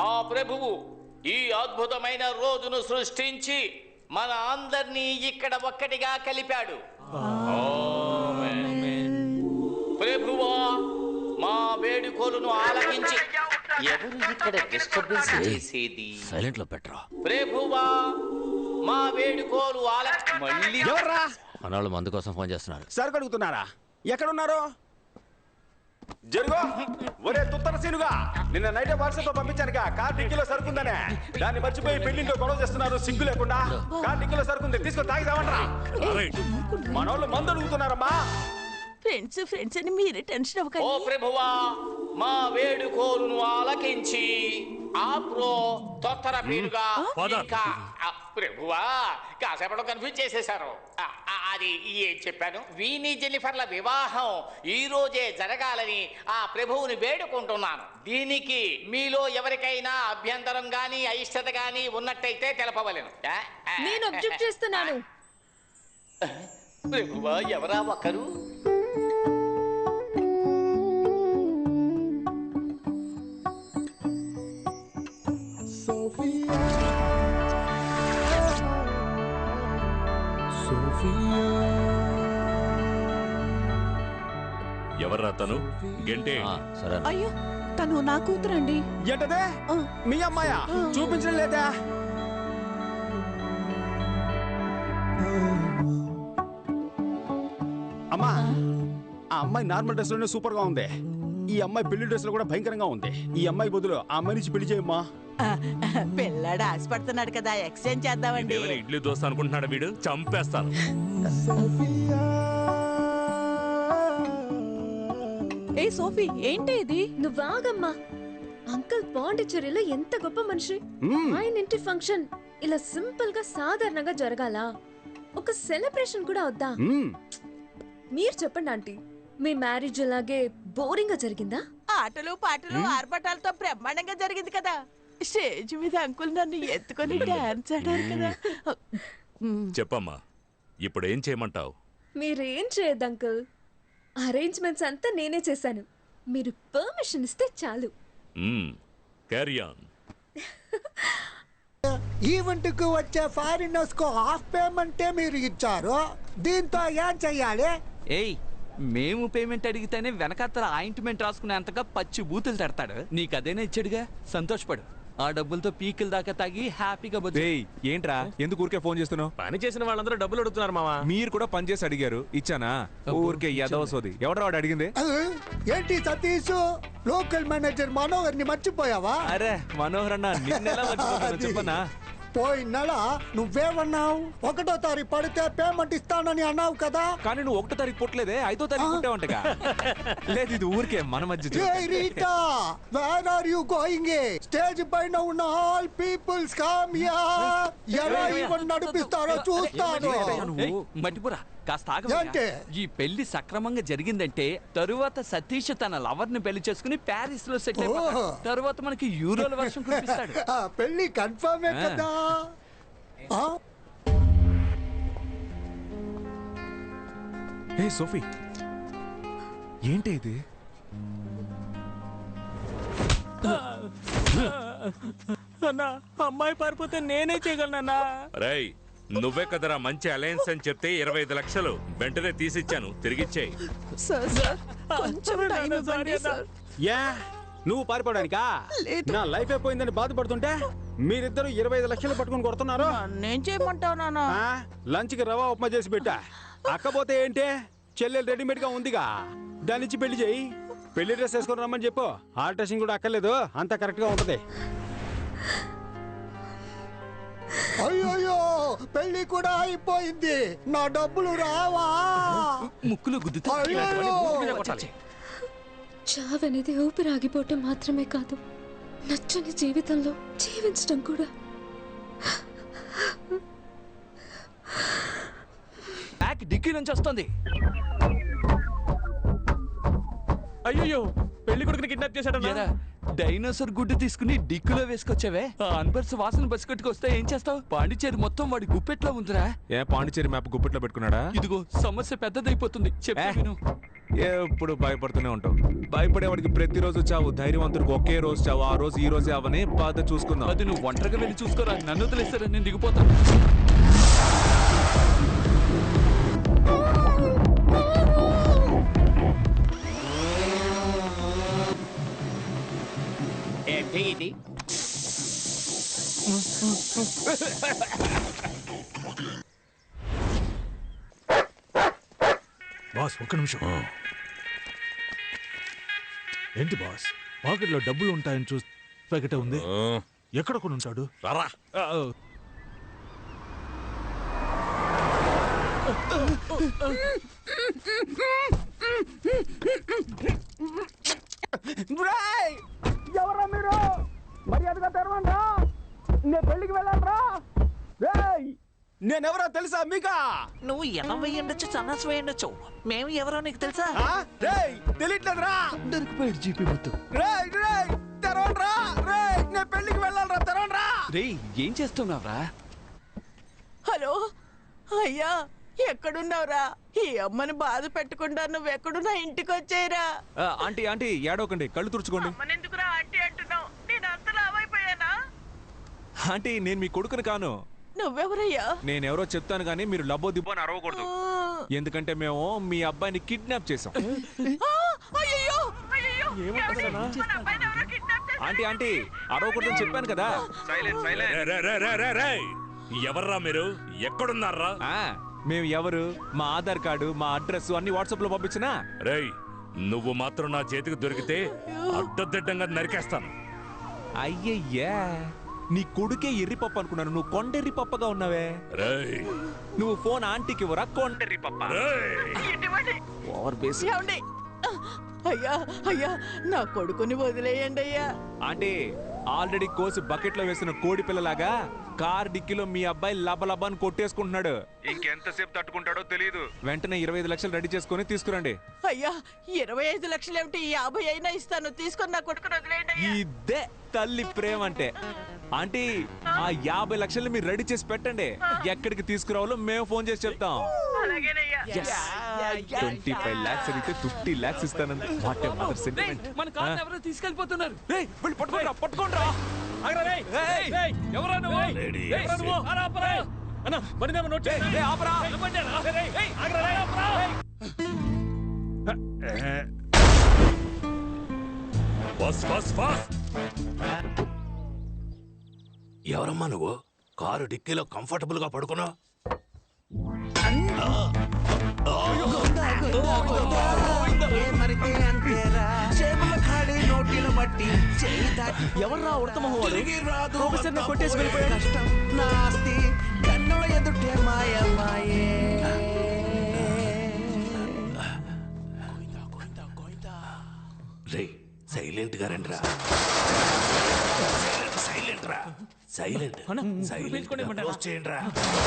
ఆ ప్రభువు ఈ అద్భుతమైన రోజును సృష్టించి మన అందరినీ ఇక్కడ ఒక్కటిగా కలిపాడు. ప్రభువా, మా వేడుకోలును ఆలకించి ఎవరు ఇక్కడ డిస్టర్బెన్స్ చేసేది? సైలెంట్ లో పెట్టరా. ప్రభువా, మా వేడుకోలు మళ్ళీ ఎవర్రా? మనవాళ్ళు మందు కోసం ఫోన్ చేస్తున్నారు. సరుకు అడుగుతున్నారా? ఎక్కడున్నారు? జరుగు. ఒరే తుత్తర సీనుగా, నిన్న నైట్ వాట్సాప్ లో పంపించానుగా కార్ డిక్కీలో సరుకుందనే. దాన్ని మర్చిపోయి పెళ్లింట్లో గొడవ చేస్తున్నారు సిగ్గు లేకుండా. కార్ డిక్కీలో సరుకుంది, తీసుకొని తాగిదామంటారా? మనోళ్ళు మందు అడుగుతున్నారమ్మా. ఫ్రెండ్స్ అని మీరే టెన్షన్ ఓ అవ్వకండి. ప్రభువా, మా వేడుకోలును ఆలకించి ఆప్రో తొత్తర పేరుగా ఇంకా ప్రభువా కాసేపట్లో కన్ఫ్యూజ్ చేసేశారు. అది ఏం చెప్పాను? వీని జెన్నిఫర్ల వివాహం ఈ రోజే జరగాలని ఆ ప్రభువుని వేడుకుంటున్నాను. దీనికి మీలో ఎవరికైనా అభ్యంతరం గాని అయిష్టత గాని ఉన్నట్టయితే తెలపవలెను. నేను అబ్జెక్ట్ చేస్తున్నాను. ప్రభువా, ఎవరా ఒకరు? ఎవర్రా తను? గంటే. సరే. అయ్యో, తను నా కూతురండి. ఏంటదే? మీ అమ్మాయా? చూపించడం లేదా? అమ్మా, ఆ అమ్మాయి నార్మల్ డ్రెస్ లోనే సూపర్ గా ఉంది. ఈ అమ్మాయి పెళ్లి డ్రెస్ లో కూడా భయంకరంగా ఉంది. ఈ అమ్మాయి బదులు ఆ అమ్మాయి నుంచి పెళ్లి చేయమ్మా. పిల్లాడు ఆశపడుతున్నాడు కదా, ఎక్స్చేంజ్ చేద్దామండి. ఇడ్లీ దోశ అనుకుంటున్నాడు వీడు, చంపేస్తాను. ఏ సోఫీ, ఏంటి ఇది? నువ్వాగమ్మా. అంకుల్ పాండిచ్చేరిలో ఎంత గొప్ప మనిషి. ఆయన ఇంటి ఫంక్షన్ ఇలా సింపుల్ గా సాధారణంగా జరగాల? ఒక సెలబ్రేషన్ కూడా వద్దా? మీరు చెప్పండి ఆంటీ, మీ మ్యారేజ్ అలాగే బోరింగ్ గా జరిగిందా? ఆటలు పాటలు ఆర్భటాలతో బ్రహ్మాండంగా జరిగింది కదా. స్టేజ్ మీద అంకుల్ నన్ను ఎత్తుకొని డాన్స్ ఆడారు కదా. చెప్పమ్మా, ఇప్పుడు ఏం చేయమంటావు? మీరేం చేయొద్దు అంకుల్. అరేంజ్మెంట్స్ అంతా నేనే చేశాను. మీరు పర్మిషన్ ఇస్తే చాలు. Carry on. ఈవెంట్ కు వచ్చే ఫారినర్స్ కు హాఫ్ పేమెంటే మీరు ఇచ్చారు. దీంతో ఏం చెయ్యాలి? ఏయ్, మేము పేమెంట్ అడిగితేనే వెనకాతల ఆయింట్మెంట్ రాసుకునేంతగా పచ్చి బూతులు తడతాడు. నీకు అదేనా ఇచ్చాడుగా, సంతోషపడు. ఆ డబ్బులతో పీకిల్ దాకా తాగి హ్యాపీగా బతుకు. ఏంట్రా, ఎందుకు ఊరికే ఫోన్ చేస్తున్నావు? పని చేసిన వాళ్ళందరూ డబ్బులు అడుగుతున్నారు మావా. మీరు కూడా పని చేసి అడిగారు, ఇచ్చానా? ఊరికే యాదవ సోది. ఎవడరా వాడు అడిగింది? ఏంటి సతీష్, లోకల్ మేనేజర్ మనోహర్ ని మర్చిపోయావా? అరే మనోహర్ అన్న, నిన్నెలా మర్చిపోతాను చెప్పనా? పోయిన నెల నువ్వేమన్నావు? 1వ తారీఖు పడితే పేమెంట్ ఇస్తానని అన్నావు కదా. కానీ నువ్వు 1వ తారీఖు పుట్టలేదే, 5వ తారీఖు పుట్టావంటగా. లేదు, ఇది ఊరికే మన మధ్య. Where are you going? Stage పైన ఉన్న ఆల్ పీపుల్స్ కమ్ హియర్. ఎలా ఈవెంట్ నడిపిస్తారో చూస్తాను. మట్టిపురా, కాస్త ఆగండి. ఈ పెళ్లి సక్రమంగా జరిగిందంటే తరువాత సతీష్ తన లవర్ ని పెళ్లి చేసుకుని ప్యారిస్ లో సెటిల్ అయిపోతాడు. తరువాత మనకి యూరోల వర్షం కురిపిస్తాడు. పెళ్లి కన్ఫర్మ్ కదా. ఏ సోఫీ, ఏంటి ఇది? అన్నా, అమ్మాయి పారిపోతే నేనే చేయగలనన్నా. రేయ్, నువ్వే కదరా మంచి అలయన్స్ అని చెప్తే 25 లక్షలు వెంటనే తీసిచ్చాను, తిరిగిచ్చేయి. నువ్వు పారిపోవడానికా? నా లైఫ్ అయిపోయిందని బాధపడుతుంటే మీరిద్దరు 25 లక్షలు పట్టుకుని కొడుతున్నారు. నేను చేయమంటావు నాన్న? లంచ్ కి రవా ఉప్మా చేసి పెట్టా. అక్కపోతే ఏంటే, చెల్లెలు రెడీమేడ్ గా ఉందిగా, దాని నుంచి పెళ్లి చేయి. పెళ్లి డ్రెస్ వేసుకొని రమ్మని చెప్పు. ఆల్ట్రేషన్ కూడా అక్కర్లేదు, అంతా కరెక్ట్ గా ఉంటది. అయ్యో, పెళ్లి కూడా అయిపోయింది. నా డబ్బులు రావా? ముక్కులు గుద్దుతా. చావనేది ఊపిరాగిపోవటం మాత్రమే కాదు, నచ్చని జీవితంలో జీవించడం కూడా. బ్యాక్ డిక్కీ నుంచి వస్తుంది. అయ్యో, పెళ్లి కొడుకుని కిడ్నాప్ చేశాడన్నా. డైనోసార్ గుడ్డు తీసుకుని డిక్కులో వేసుకొచ్చావే. ఆ అన్బర్స్ వాసన బస్కెట్టుకొస్తే ఏం చేస్తావు? పాండిచేరి మొత్తం వాడి గుప్పెట్లో ఉందిరా. ఏ పాండిచేరి మ్యాప్ గుప్పెట్లో పెట్టుకున్నాడా? ఇదిగో సమస్య పెద్దదైపోతుంది, చెప్పు. ఎప్పుడు భయపడుతూనే ఉంటావు. భయపడేవాడికి ప్రతిరోజు చావు, ధైర్యవంతుడికి ఒకే రోజు చావు. ఆ రోజు ఈ రోజే అవని బాధ చూసుకుందాం. అది నువ్వు ఒంటరిగా వెళ్ళి చూసుకోరా, నన్ను వదిలేస్తారా, నేను దిగిపోతాను. ఏంటి ఇది? బాస్ ఒక్క నిమిషం. ఏంటి బాస్, పాకెట్లో డబ్బులు ఉంటాయని చూసి ప్యాకెట్ ఉంది. ఎక్కడ కొని ఉంటాడు? రారా. ఎవరా మీరు? మర్యాదగా తెరవండి. నేను పెళ్లికి వెళ్ళాలరా. నేనెవరో తెలుసా మీకా? నువ్వు 80 ఉండొచ్చు, సన్నాసి వేయండొచ్చు. మేము ఎవరో నీకు తెలుసా? తెలియట్లేదురా. దొరికిపోయాడు జీపీ మొత్తం. తెరవండ్రా. నేను పెళ్లికి వెళ్ళాలరా, తెరవండ్రా. రే ఏం చేస్తున్నావురా? హలో అయ్యా, ఎక్కడున్నావురా? ఈ అమ్మని బాధ పెట్టకుండా నువ్వెక్కడున్నా ఇంటికి వచ్చేయరా. ఆంటీ ఆంటీ ఏడవకండి, కళ్ళు తుడుచుకోండి. అమ్మనెందుకురా ఆంటీ అంటున్నావు? నేను అంత లావైపోయానా? ఆంటీ నేను మీ కొడుకుని కాను. నువ్వెవరయ్యా? నేనెవరో చెప్తాను కానీ మీరు లబ్బో దిబ్బో అని అరవకూడదు. ఎందుకంటే మేము మీ అబ్బాయిని కిడ్నాప్ చేసాం. ఆంటీ ఆంటీ అరవకూడదని చెప్పాను కదా. ఎవర్రా మీరు? ఎక్కడున్నారా? మేము ఎవరు, మా ఆధార్ కార్డు, మా అడ్రస్ అన్ని వాట్సాప్ లో పంపించినా. రేయ్ నువ్వు మాత్రం నా చేతికి దొరికితే అడ్డదిడ్డంగా నరికేస్తాను. అయ్యయ్యా, నీ కొడుకే ఎర్రి పప్పు అనుకున్నాను, నువ్వు కొండెర్రి పప్పగా ఉన్నావే. రేయ్ నువ్వు ఫోన్ ఆంటీకి ఇవ్వరా, కొండెర్రి పప్ప. Over base. అయ్యా అయ్యా, నా కొడుకుని వదిలేయండి అయ్యా. ఆంటీ ఆల్రెడీ కోసి బకెట్ లో వేసిన కోడి పిల్లలాగా కార్ డిక్కీలో మీ అబ్బాయి లబలబాన్ని కొట్టేసుకుంటున్నాడు. ఇంకెంతసేపు తట్టుకుంటాడో తెలియదు. వెంటనే 25 లక్షలు రెడీ చేసుకుని తీసుకురండి. అయ్యా 25 లక్షలు ఏమిటి? 50 అయినా ఇస్తాను, తీసుకొని నా కొడుకుని వదిలేయండి. ఇదే తల్లి ప్రేమ అంటే. ఆంటీ ఆ 50 లక్షలు మీరు రెడీ చేసి పెట్టండి. ఎక్కడికి తీసుకురావాలో మేము ఫోన్ చేసి చెప్తాం. 25 lakhs అడిగితే 50 lakhs ఇస్తానండి. What a mother sentiment. మన కార్ ఎవరో తీసుకెళ్ళిపోతున్నారు. పట్టుకోండి పట్టుకోండి. ఎవరా నువ్వు? అన్న బండి నోట్ చేయండి. ఆపరా. బస్ బస్ బస్. ఎవరమ్మా నువ్వు? కారు డిక్కీలో కంఫర్టబుల్ గా పడుకున్నావు. ఎవర్రా ఉడతమహోడు? ప్రొఫెసర్ ని కొట్టేసి వెళ్ళిపోయాడు. కష్టం నాస్తి కన్నుల ఎదుటే మాయమాయే. రే సైలెంట్ గా రండి రా. సైలెంట్ రా. సైలెంట్ చేయండి రా.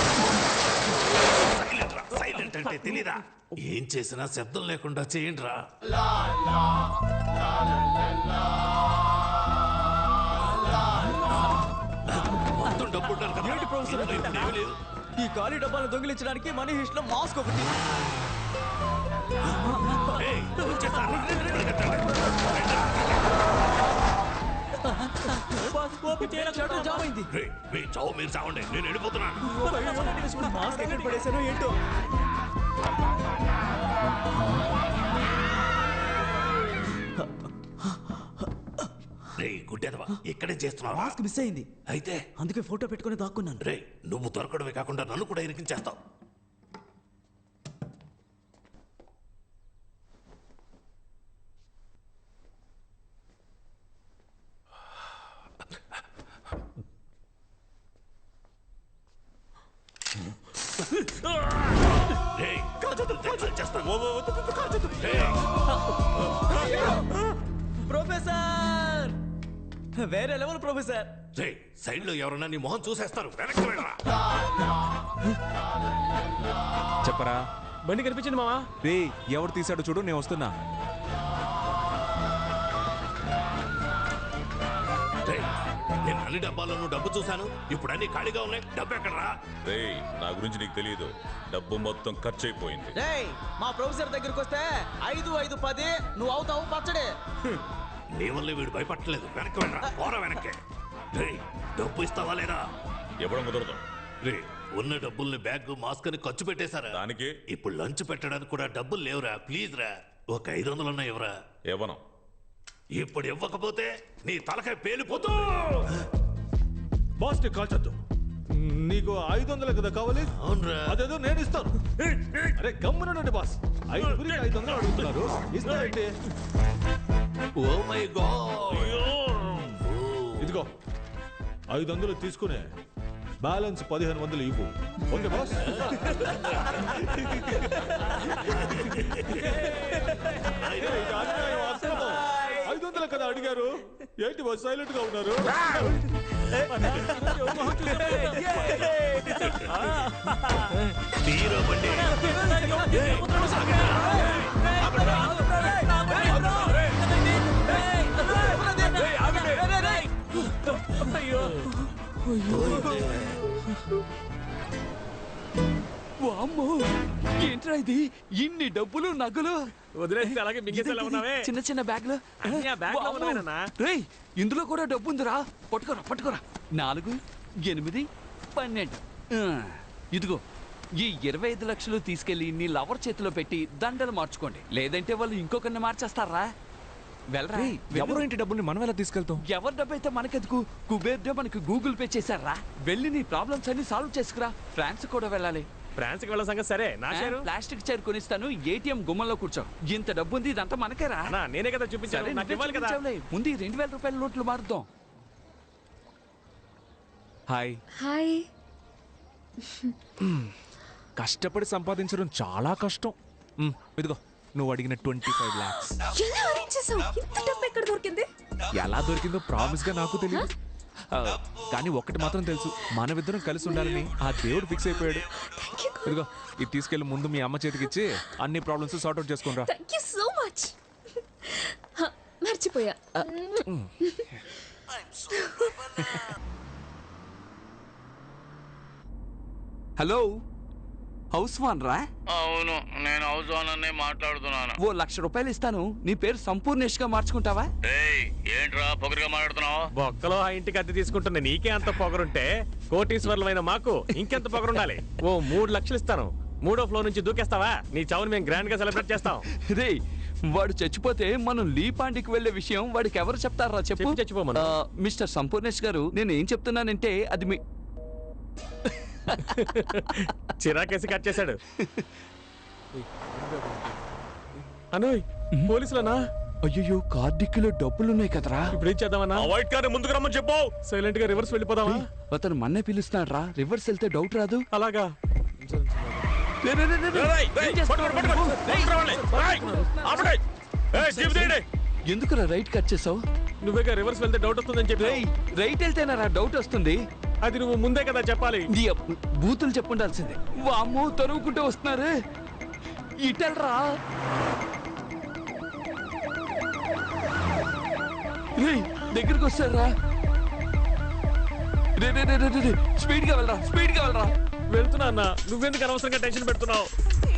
సైలెంట్ అంటే తెలీదా? ఏం చేసినా శబ్దం లేకుండా చేయండి రా. మొత్తం డబ్బు ఈ ఖాళీ డబ్బాలను దొంగిలించడానికి మనీ హిస్ట్ లో మాస్క్ ఒకటి. మీరు చావండి, నేను వెళ్ళిపోతున్నాను. మాస్క్ ఎక్కడ పడేశానో ఏంటో. గుడ్డెదవా ఇక్కడే చేస్తున్నావు? మాస్క్ మిస్ అయింది, అయితే అందుకే ఫోటో పెట్టుకుని దాక్కున్నాను. రే నువ్వు దొరకడమే కాకుండా నన్ను కూడా ఇరికించేస్తావు. ప్రొఫెసర్ వేరే లెవెల్ ప్రొఫెసర్. సైడ్ లో ఎవరన్నా నీ మొహం చూసేస్తారు. వెనక్కి వెళ్ళరా. చెప్పరా. బండి కనిపించింది మావా. రే ఎవరు తీసాడో చూడు, నేను వస్తున్నా. నేను అన్ని డబ్బాలను డబ్బు చూశాను. ఇప్పుడు అన్ని ఖాళీగా ఉన్నాయి. డబ్బు ఎక్కడరా? రేయ్, నా గురించి నీకు తెలియదు. డబ్బు మొత్తం ఖర్చు అయిపోయింది. మా ప్రొఫెసర్ దగ్గరికి వస్తే 5, 5, 10 నువ్వు అవుతావు పచ్చడే. నీ వల్ల వీడు భయపట్టలేదు. వెనక్కి వెళ్ళరా, పోరా వెనక్కి. రేయ్, డబ్బు ఇస్తావా లేదా? ఇవ్వడం కుదరదు. రే, ఉన్న డబ్బుల్ని బ్యాగ్ మాస్క్ అని ఖర్చు పెట్టేశారా? దానికి ఇప్పుడు లంచ్ పెట్టడానికి కూడా డబ్బులు లేవురా. ప్లీజ్ రా, ఒక 500 ఉన్నాయి. ఎవరా? ఇవ్వను. ఇప్పుడు ఇవ్వకపోతే నీ తలకాయ పేలిపోతూ. బాస్ ని కాల్చొద్దు. నీకు 500 కదా కావాలి? అవునరా. అదేదో నేను ఇస్తాను. అరే గమ్మునండి బాస్. 500 అడుగుతున్నారు, ఇస్తానండి. Oh my god. ఇదిగో 500 తీసుకునే బ్యాలెన్స్ 1500 ఇవ్వు. Okay boss? 500 కదా అడిగారు. ఏంటి బాస్ సైలెంట్ గా ఉన్నారు? వామ్మో, ఏంట్రా ఇది? ఇన్ని డబ్బులు నగలు వదిలేస్తే అలాగే మింగేసేలా ఉన్నావే. చిన్న చిన్న బ్యాగ్లు. రేయ్, ఇందులో కూడా డబ్బు ఉందిరా. పట్టుకోరా పట్టుకోరా. 4, 8, 12. ఇదిగో ఈ 25 లక్షలు తీసుకెళ్లి నీ లవర్ చేతిలో పెట్టి దండలు మార్చుకోండి. లేదంటే వాళ్ళు ఇంకొకరిని మార్చేస్తారా? వెళ్ళరా. ఎవరు ఇంటి డబ్బుల్ని మనం ఎలా తీసుకెళ్తాం? ఎవరి డబ్బు అయితే మనకెందుకు? కుబేర్ మనకి గూగుల్ పే చేశారా? వెళ్ళి నీ ప్రాబ్లమ్స్ అన్ని సాల్వ్ చేసుకురా. ఫ్రాన్స్ కూడా వెళ్ళాలి. ఫ్రాన్స్ కి వెళ్ళే సంగతి సరే. నా షేరు ప్లాస్టిక్ చైర్ కొనిస్తాను. ఏటీఎం గుమ్మంలో కూర్చో. ఇంత డబ్బు ఉంది, ఇదంతా మనకేరా. నేనే కదా చూపించాను. నాకు ఇవ్వాలి కదా. ముందు 2000 రూపాయల నోట్లు మారుద్దాం. హాయ్. హాయ్. కష్టపడి సంపాదించడం చాలా కష్టం. ఇదిగో నువ్వు అడిగిన 25 lakhs. ఎలా అరేంజ్ చేసావు? ఇంత డబ్బు ఎక్కడ దొరికింది? ఎలా దొరికిందో ప్రామిస్ గా నాకు తెలియదు. కానీ ఒక్కటి మాత్రం తెలుసు, మనమిద్దరం కలిసి ఉండాలని ఆ దేవుడు ఫిక్స్ అయిపోయాడు. ఇదిగో ఇది తీసుకెళ్లి ముందు మీ అమ్మ చేతికి ఇచ్చి అన్ని ప్రాబ్లమ్స్ సార్ట్ అవుట్ చేసుకుని రా. Thank you so much. మర్చిపోయా. హలో, హౌస్ వాన్ రా? అవును, నేను హౌస్ ఓనర్నే మాట్లాడుతున్నాను. ఓ 1,00,000 రూపాయలు ఇస్తాను. నీ పేరు సంపూర్ణేష్ గా మార్చుకుంటావా? ఏంట్రా పొగరుగా మాట్లాడుతున్నావు? బొక్కలో ఆ ఇంటికి అద్దె తీసుకుంటున్నా నీకే అంత పొగరుంటే కోటీశ్వర్లమైన మాకు ఇంకెంత పొగరుండాలి? ఓ 3 లక్షలు ఇస్తాను. 3వ ఫ్లోర్ నుంచి దూకేస్తావా? నీ చావుని మేము గ్రాండ్ గా సెలబ్రేట్ చేస్తాం. రే, వాడు చచ్చిపోతే మనం లీపాండికి వెళ్లే విషయం వాడికి ఎవరు చెప్తారా? చెప్పు. చచ్చిపోమను. మిస్టర్ సంపూర్ణేష్ గారు, నేను ఏం చెప్తున్నానంటే అది మీ చిరాకేసి కట్ చేశాడు. అనోయ్, పోలీసులనా? అయ్యో, కార్ డిక్కీలో డబ్బులున్నాయి కదరా. ఇప్పుడు ఏం చేద్దామన్నా? వైట్ కార్ ముందుకు రమ్మని చెప్పు. సైలెంట్ గా రివర్స్ వెళ్ళిపోదామా? అతను మన్నే పిలుస్తున్నాడు రా. రివర్స్ వెళ్తే డౌట్ రాదు. అలాగా. ఎందుకురా రైట్ కట్ చేసావు? నువ్వేగా రివర్స్ వెళ్తే డౌట్ వస్తుందని చెప్పి. రైట్ వెళ్తేనా డౌట్ వస్తుంది? అది నువ్వు ముందే కదా చెప్పాలి. బూతులు చెప్పుండాల్సిందే. వామ్మో, తరువుకుంటూ వస్తున్నారు. ఇటల్రా. దగ్గరికి వస్తారా? స్పీడ్ గా వెళ్ళరా, స్పీడ్ గా వెళ్ళరా. వెళ్తున్నా అన్న. నువ్వెందుకు అనవసరంగా టెన్షన్ పెడుతున్నావు?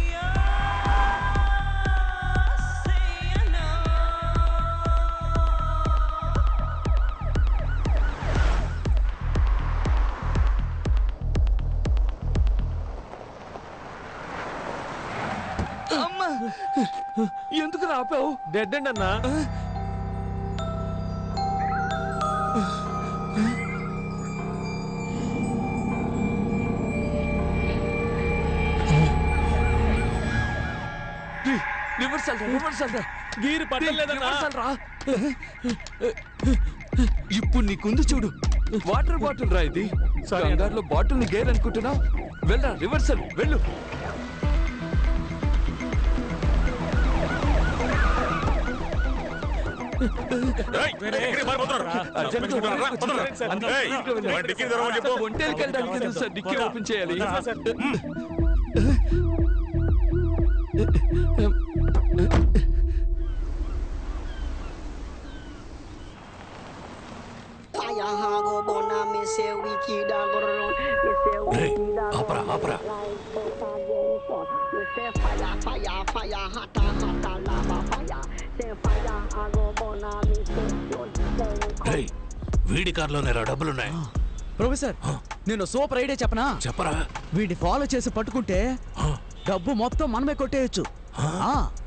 అమ్మా, ఎందుకు రాపావు? డెడ్ అండ్ అన్నా. గీరు పట్టలేదన్నా. ఇప్పుడు నీకుంది చూడు, వాటర్ బాటిల్ రా. ఇది కంగారులో బాటిల్ ని గేర్ అనుకుంటున్నావు. వెళ్ళరా, రివర్సల్ వెళ్ళు. ఒంటేకి వెళ్ళడానికి సార్ డిక్కీ ఓపెన్ చేయాలి. ఆపరా ఆపరా వీడి కార్లోనే డబ్బులున్నాయి. ప్రొఫెసర్ నేను సూపర్ ఐడియా చెప్పనా? చెప్పరా. వీడిని ఫాలో చేసి పట్టుకుంటే డబ్బు మొత్తం మనమే కొట్టేయచ్చు.